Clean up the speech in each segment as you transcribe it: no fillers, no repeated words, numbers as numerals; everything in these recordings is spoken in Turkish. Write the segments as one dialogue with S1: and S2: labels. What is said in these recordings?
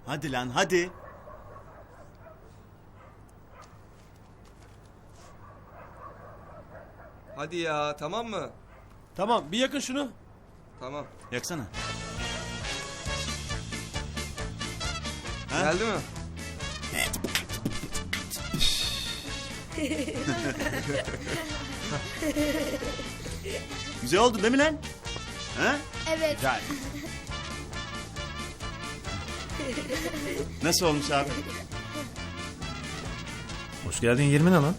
S1: Hadi lan hadi.
S2: Hadi ya, tamam mı?
S3: Tamam, bir yakın şunu.
S2: Tamam.
S1: Yaksana. Ha?
S2: Geldi mi?
S1: Güzel oldu değil mi lan? Ha?
S4: Evet.
S1: Güzel. Nasıl olmuş abi?
S3: Hoş geldin 20 ne lan?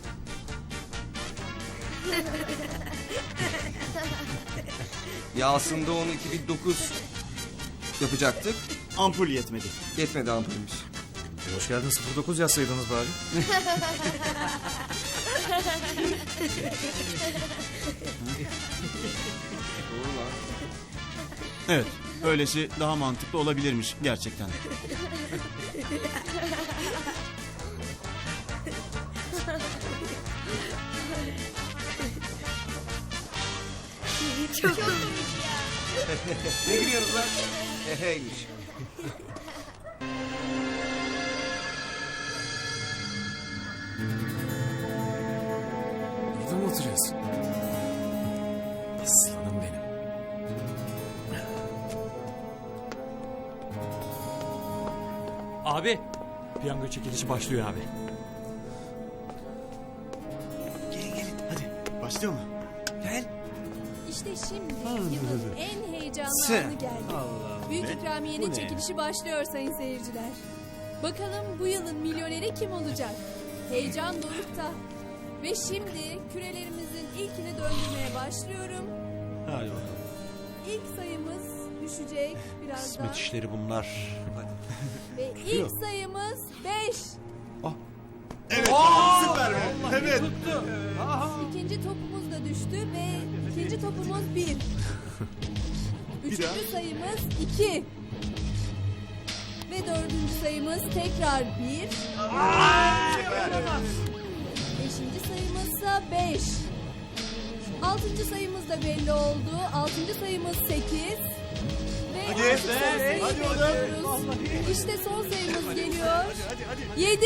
S2: Ya aslında onu 2009 yapacaktık.
S1: Ampul yetmedi.
S2: Yetmedi ampulümüz.
S3: Hoş geldin 09 yazsaydınız bari.
S2: Doğru lan.
S1: Evet. Öylesi daha mantıklı olabilirmiş gerçekten.
S4: Çok komik ya.
S2: Ne gülüyorsunuz lan? Heheymiş.
S3: Burada mı oturuyorsun? Aslanım benim.
S5: Abi, piyango çekilişi başlıyor abi.
S1: Gelin gelin hadi. Başlıyor mu?
S2: Gel.
S6: İşte şimdi yılın en heyecanlı
S2: Sen.
S6: anı geldi. Büyük
S1: Ne?
S6: ikramiyenin
S1: Bu ne?
S6: çekilişi başlıyor sayın seyirciler. Bakalım bu yılın milyoneri kim olacak? Heyecan dorukta. Ve şimdi kürelerimizin ilkini döndürmeye başlıyorum.
S5: Hadi bakalım.
S6: İlk sayımız düşecek birazdan.
S5: Kısmet işleri bunlar.
S6: Ve ilk sayımız 5.
S1: Evet. Süper be. Evet.
S6: İkinci topumuz da düştü ve ikinci topumuz 1. Üçüncü sayımız 2. Ve dördüncü sayımız tekrar 1. Beşinci sayımızsa 5. Altıncı sayımız da belli oldu. Altıncı sayımız 8. Ve
S1: Hadi,
S6: artık son sayıyı
S1: hadi oğlum.
S6: bekliyoruz. İşte son sayımız geliyor. 7.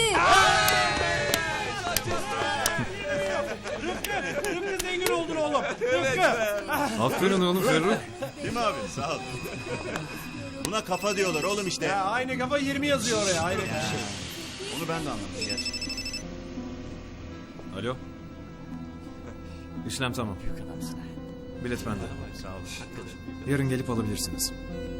S5: Rıfkı zengin oldun oğlum.
S3: Aferin oğlum Ferruh.
S1: Değil mi abi? Sağ ol. Buna kafa diyorlar oğlum işte.
S5: Ya aynı kafa 20 yazıyor oraya. Aynı şey.
S1: Onu ben de anladım gerçekten.
S3: Alo. İşlem tamam. Bilet bende.
S1: Sağ ol.
S3: Yarın gelip alabilirsiniz.